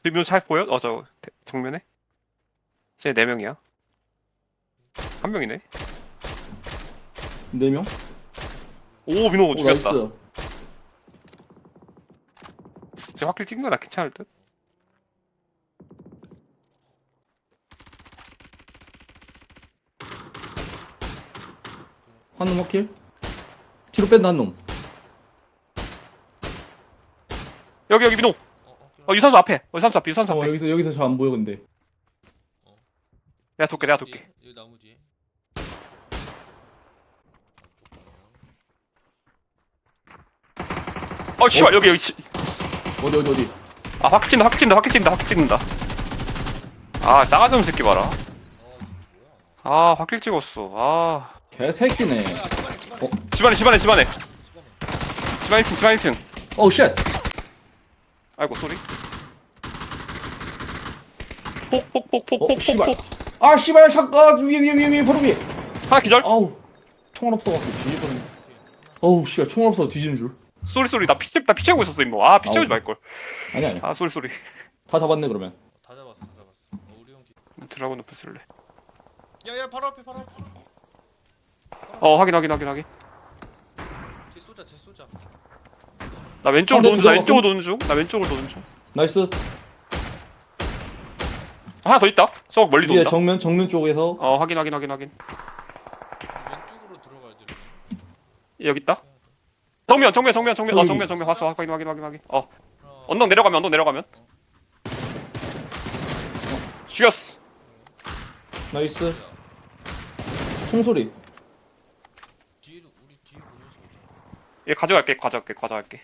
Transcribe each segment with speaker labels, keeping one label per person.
Speaker 1: 민호 잘 보여? 저 정면에? 쟤 4명이야. 한 명이네.
Speaker 2: 4명?
Speaker 1: 오 민호
Speaker 2: 오
Speaker 1: 죽였다.
Speaker 2: 나이스.
Speaker 1: 쟤 확킬 찍는 거나 괜찮을 듯?
Speaker 2: 한 놈 확킬. 뒤로 뺀다 한 놈.
Speaker 1: 여기 민호. 유산소 앞에. 유산소 앞에. 유산소 앞에.
Speaker 2: 여기서 잘 안 보여 근데.
Speaker 1: 내가 돌게.
Speaker 3: 여기 나무 뒤에.
Speaker 1: 씨발 여기.
Speaker 2: 어디.
Speaker 1: 아 확킬 찍는다. 아 싸가지 없는 새끼 봐라. 아 확킬 찍었어. 아
Speaker 2: 개새끼네.
Speaker 1: 집안에. 집안 1층.
Speaker 2: 오 쉣.
Speaker 1: 아이고 소리.
Speaker 2: 씨발.
Speaker 1: 폭.
Speaker 2: 아 씨발 잠깐 위에 바로 위에.
Speaker 1: 하나 기절.
Speaker 2: 아우 총알 없어가지고 뒤집어졌네. 어우 씨발 총알 없어 뒤지는 줄.
Speaker 1: 소리. 나 피 채우고 있었어 임모. 아 피 채우지 말걸.
Speaker 2: 아니야.
Speaker 1: 아 소리.
Speaker 2: 다 잡았네 그러면.
Speaker 3: 다 잡았어. 우리 형 뒤.
Speaker 1: 드라곤 높여 쓸래.
Speaker 3: 야야 바로 앞에.
Speaker 1: 확인.
Speaker 3: 쟤 쏘자.
Speaker 1: 나 왼쪽으로
Speaker 2: 상대
Speaker 1: 도는 중.
Speaker 2: 나이스.
Speaker 1: 하나 더 있다. 저 멀리
Speaker 2: 위에
Speaker 1: 돈다.
Speaker 2: 정면 쪽에서.
Speaker 1: 확인.
Speaker 3: 왼쪽으로 들어가야 돼.
Speaker 1: 여기 있다. 정면.
Speaker 2: 저기.
Speaker 1: 정면 봤어. 확인. 언덕 내려가면. 죽였어.
Speaker 2: 나이스. 총소리.
Speaker 3: 뒤에도 우리 뒤에 보면서 오자.
Speaker 1: 얘 가져갈게.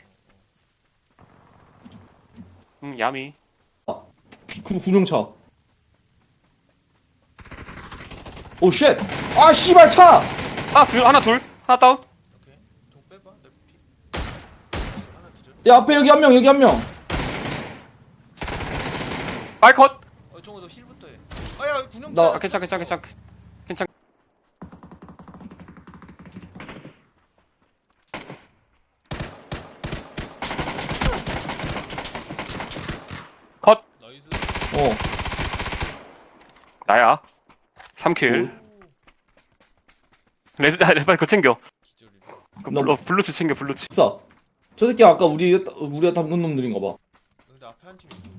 Speaker 1: 야미.
Speaker 2: 구룡차. 오 쉣. 아 씨발 차.
Speaker 1: 하나 둘. 하나 다운.
Speaker 3: 오케이. 좀 빼봐. 내 피. 하나 기절.
Speaker 2: 야 앞에 여기 한 명.
Speaker 1: 아이 컷.
Speaker 3: 정우 너 힐부터 해. 아야 군용.
Speaker 2: 나-
Speaker 1: 괜찮. 컷.
Speaker 3: 나이스.
Speaker 2: 어.
Speaker 1: 나야. 3킬. 레드 빨리 그거 챙겨.
Speaker 3: 기절이네.
Speaker 1: 블루츠 챙겨.
Speaker 2: 싸. 저 새끼 아까 우리가 담근 놈들인가 봐.
Speaker 3: 근데 앞에 한 팀 있어.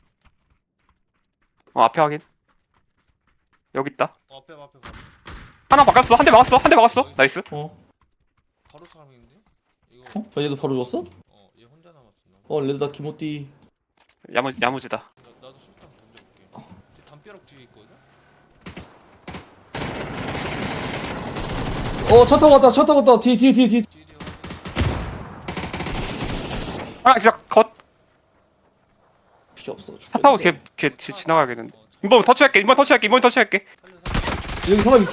Speaker 1: 앞에 확인. 여기 있다.
Speaker 3: 앞에 바로.
Speaker 1: 하나 바꿨어. 한 대 막았어. 나이스.
Speaker 2: 어?
Speaker 3: 바로 사람인데? 이거.
Speaker 2: 어? 얘도 바로 줬어?
Speaker 3: 얘 혼자 남았어.
Speaker 2: 어 레드다 키모띠.
Speaker 1: 야무지다.
Speaker 3: 나도 술탄 던져볼게. 쟤 담벼락 뒤에 있거든.
Speaker 2: 차 타고 왔다. 뒤.
Speaker 3: 뒤에
Speaker 1: 하나 진짜 컷.
Speaker 2: 필요 없어.
Speaker 1: 차 타고 걔 지나가야겠는데. 이번 터치할게.
Speaker 3: 살려.
Speaker 2: 여기 사람 있어.